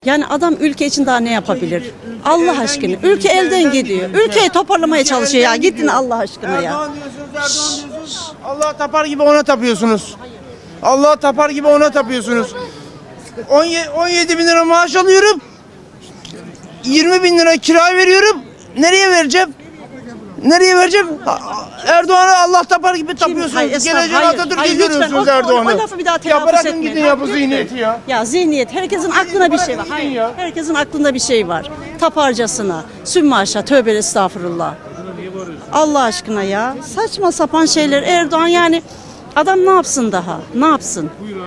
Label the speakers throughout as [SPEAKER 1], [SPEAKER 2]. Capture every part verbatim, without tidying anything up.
[SPEAKER 1] Yani adam ülke için daha ne yapabilir? Allah aşkına. Ülke elden gidiyor. Ülkeyi toparlamaya çalışıyor ya. Gittin Allah aşkına ya.
[SPEAKER 2] Erdoğan diyorsunuz, Erdoğan diyorsunuz. Allah tapar gibi ona tapıyorsunuz. Allah tapar gibi ona tapıyorsunuz. on yedi bin lira maaş alıyorum. yirmi bin lira kira veriyorum. Nereye vereceğim? Nereye vereceğim? Erdoğan'a Allah tapar gibi tapıyorsunuz.
[SPEAKER 1] Hayır, estağfurullah,
[SPEAKER 2] Geleceğin
[SPEAKER 1] hayır,
[SPEAKER 2] Atatürk'e
[SPEAKER 1] hayır, lütfen.
[SPEAKER 2] görüyorsunuz
[SPEAKER 1] O- o-
[SPEAKER 2] Erdoğan'ı.
[SPEAKER 1] o lafı bir daha
[SPEAKER 2] Ya
[SPEAKER 1] telaffuz
[SPEAKER 2] bırakın
[SPEAKER 1] etmeyin.
[SPEAKER 2] gidin ya bu zihniyeti ya.
[SPEAKER 1] Ya zihniyet, herkesin aklına bir şey var.
[SPEAKER 2] bırakın
[SPEAKER 1] Hayır,
[SPEAKER 2] gidin ya.
[SPEAKER 1] herkesin aklında bir şey var. Taparcasına, sümmaşa, tövbe estağfurullah. Allah aşkına ya. Saçma sapan şeyler. Erdoğan yani adam ne yapsın daha? Ne yapsın?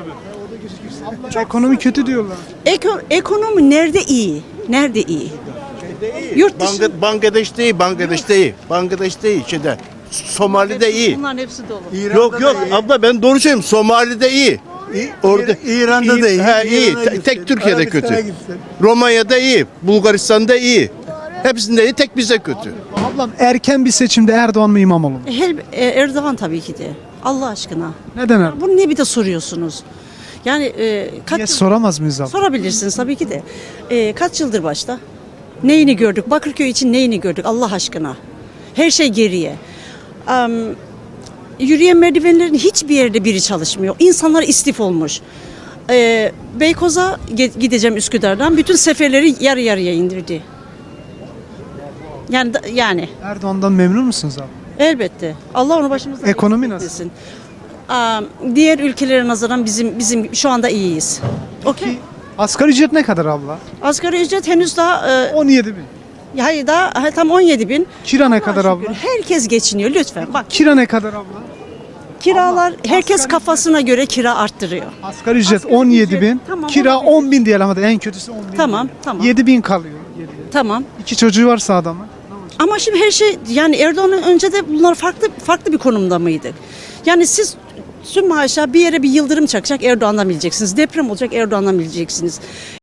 [SPEAKER 3] Ekonomi kötü diyorlar.
[SPEAKER 1] Eko, ekonomi nerede iyi? Nerede iyi? Yurt dışı.
[SPEAKER 4] Bangla- Bangladeş'te iyi, Bangladeş'te iyi. Bangladeş'te iyi, şeyde. Somali'de iyi.
[SPEAKER 1] Bunların hepsi dolu.
[SPEAKER 4] Yok yok abla ben doğru söylüyorum. Somali'de iyi. Orada
[SPEAKER 3] İran'da da iyi.
[SPEAKER 4] He, iyi.
[SPEAKER 3] İran'a
[SPEAKER 4] Te-
[SPEAKER 3] gitsin,
[SPEAKER 4] tek Türkiye'de
[SPEAKER 3] Arabistan'a
[SPEAKER 4] kötü.
[SPEAKER 3] gitsin.
[SPEAKER 4] Romanya'da iyi, Bulgaristan'da iyi. Hepsinde iyi, tek bize kötü.
[SPEAKER 3] Ablam erken bir seçimde Erdoğan mı İmamoğlu mu?
[SPEAKER 1] Her, e, Erdoğan tabii ki de. Allah aşkına.
[SPEAKER 3] Neden Erdoğan?
[SPEAKER 1] Bunu ne bir de soruyorsunuz? Yani e, kaç
[SPEAKER 3] Diye soramaz mıyız abla?
[SPEAKER 1] sorabilirsiniz tabii ki de. E, kaç yıldır başta? Neyini gördük? Bakırköy için neyini gördük Allah aşkına? Her şey geriye. Am, yürüyen merdivenlerin hiçbir yerde biri çalışmıyor. İnsanlar istif olmuş. E, Beykoz'a ge- gideceğim Üsküdar'dan. Bütün seferleri yarı yarıya indirdi. Yani da- yani
[SPEAKER 3] Erdoğan'dan memnun musunuz abi?
[SPEAKER 1] elbette. Allah onu başımızdan
[SPEAKER 3] Ekonomi
[SPEAKER 1] eksik
[SPEAKER 3] nasıl?
[SPEAKER 1] etmesin. Am, diğer ülkelere nazaran bizim bizim şu anda iyiyiz. Okey.
[SPEAKER 3] Asgari ücret ne kadar abla?
[SPEAKER 1] Asgari ücret henüz daha e,
[SPEAKER 3] on yedi bin.
[SPEAKER 1] hayır daha ha, tam on yedi bin.
[SPEAKER 3] Kira ne
[SPEAKER 1] Allah'a
[SPEAKER 3] kadar
[SPEAKER 1] şükür,
[SPEAKER 3] abla?
[SPEAKER 1] Herkes geçiniyor lütfen. Bak
[SPEAKER 3] Kira ne kadar abla?
[SPEAKER 1] kiralar herkes
[SPEAKER 3] asgari
[SPEAKER 1] kafasına göre kira arttırıyor.
[SPEAKER 3] Asgari ücret
[SPEAKER 1] Asgari
[SPEAKER 3] on yedi bin.
[SPEAKER 1] ücret, tamam,
[SPEAKER 3] Kira
[SPEAKER 1] olabilir.
[SPEAKER 3] on bin diyelim hadi en kötüsü on bin.
[SPEAKER 1] Tamam, tamam.
[SPEAKER 3] yedi bin kalıyor geriye.
[SPEAKER 1] Tamam.
[SPEAKER 3] İki çocuğu varsa adamın.
[SPEAKER 1] Ama şimdi her şey yani Erdoğan'ın önce de bunlar farklı farklı bir konumda mıydık? Yani siz tüm maaşa bir yere bir yıldırım çakacak Erdoğan'dan bileceksiniz. Deprem olacak Erdoğan'dan bileceksiniz.